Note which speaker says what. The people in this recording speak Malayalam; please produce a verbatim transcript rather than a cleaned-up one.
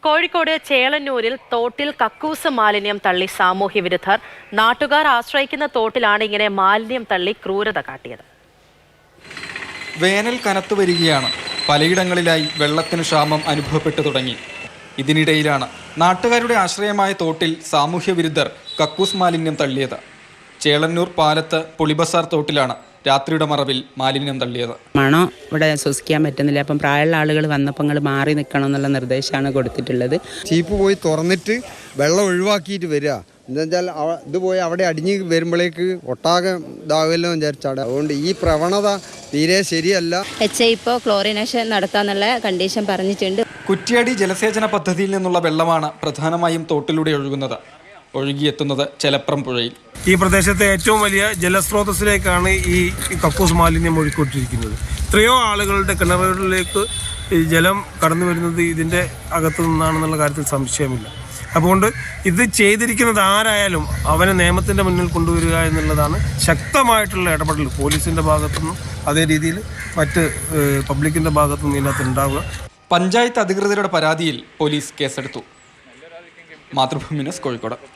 Speaker 1: കോഴിക്കോട് ചേളന്നൂരിൽ തോട്ടിൽ കക്കൂസ് മാലിന്യം തള്ളി സാമൂഹ്യ വിരുദ്ധർ. നാട്ടുകാർ ആശ്രയിക്കുന്ന തോട്ടിലാണ് ഇങ്ങനെ മാലിന്യം തള്ളി ക്രൂരത കാട്ടിയത്.
Speaker 2: വേനൽ കനത്തു വരികയാണ്. പലയിടങ്ങളിലായി വെള്ളത്തിന് ക്ഷാമം അനുഭവപ്പെട്ടു തുടങ്ങി. ഇതിനിടയിലാണ് നാട്ടുകാരുടെ ആശ്രയമായ തോട്ടിൽ സാമൂഹ്യ വിരുദ്ധർ കക്കൂസ് മാലിന്യം തള്ളിയത്. ചേളന്നൂർ പാലത്ത് പുളിബസാർ തോട്ടിലാണ് രാത്രിയുടെ മറവിൽ മാലിന്യം തള്ളിയത്.
Speaker 3: മണം ഇവിടെ ശ്വസിക്കാൻ പറ്റുന്നില്ല. അപ്പം പ്രായമുള്ള ആളുകൾ വന്നപ്പോൾ നിങ്ങൾ മാറി നിൽക്കണം എന്നുള്ള നിർദ്ദേശമാണ് കൊടുത്തിട്ടുള്ളത്.
Speaker 4: ചീപ്പ് പോയി തുറന്നിട്ട് വെള്ളം ഒഴിവാക്കിയിട്ട് വരിക. എന്താണെന്ന് വെച്ചാൽ ഇത് പോയി അവിടെ അടിഞ്ഞ് വരുമ്പോഴേക്ക് ഒട്ടാകെ ഇതാവുമല്ലോ വിചാരിച്ചാണ്. അതുകൊണ്ട് ഈ പ്രവണത തീരെ ശരിയല്ല.
Speaker 5: എച്ച് ഐ ഇപ്പോൾ ക്ലോറിനേഷൻ നടത്താന്നുള്ള കണ്ടീഷൻ പറഞ്ഞിട്ടുണ്ട്.
Speaker 2: കുറ്റ്യാടി ജലസേചന പദ്ധതിയിൽ നിന്നുള്ള വെള്ളമാണ് പ്രധാനമായും തോട്ടിലൂടെ ഒഴുകുന്നത്. ഒഴുകിയെത്തുന്നത് ചെലപ്രം പുഴയിൽ.
Speaker 6: ഈ പ്രദേശത്തെ ഏറ്റവും വലിയ ജലസ്രോതസ്സിലേക്കാണ് ഈ കക്കൂസ് മാലിന്യം ഒഴുക്കിക്കൊണ്ടിരിക്കുന്നത്. എത്രയോ ആളുകളുടെ കിണറുകളിലേക്ക് ജലം കടന്നു വരുന്നത് ഇതിൻ്റെ അകത്തു നിന്നാണെന്നുള്ള കാര്യത്തിൽ സംശയമില്ല. അതുകൊണ്ട് ഇത് ചെയ്തിരിക്കുന്നത് ആരായാലും അവനെ നിയമത്തിൻ്റെ മുന്നിൽ കൊണ്ടുവരിക എന്നുള്ളതാണ് ശക്തമായിട്ടുള്ള ഇടപെടൽ പോലീസിൻ്റെ ഭാഗത്തുനിന്നും അതേ രീതിയിൽ മറ്റ് പബ്ലിക്കിൻ്റെ ഭാഗത്തുനിന്നും ഇതിനകത്ത് ഉണ്ടാവുക.
Speaker 2: പഞ്ചായത്ത് അധികൃതരുടെ പരാതിയിൽ പോലീസ് കേസെടുത്തു. മാതൃഭൂമി ന്യൂസ്, കോഴിക്കോട്.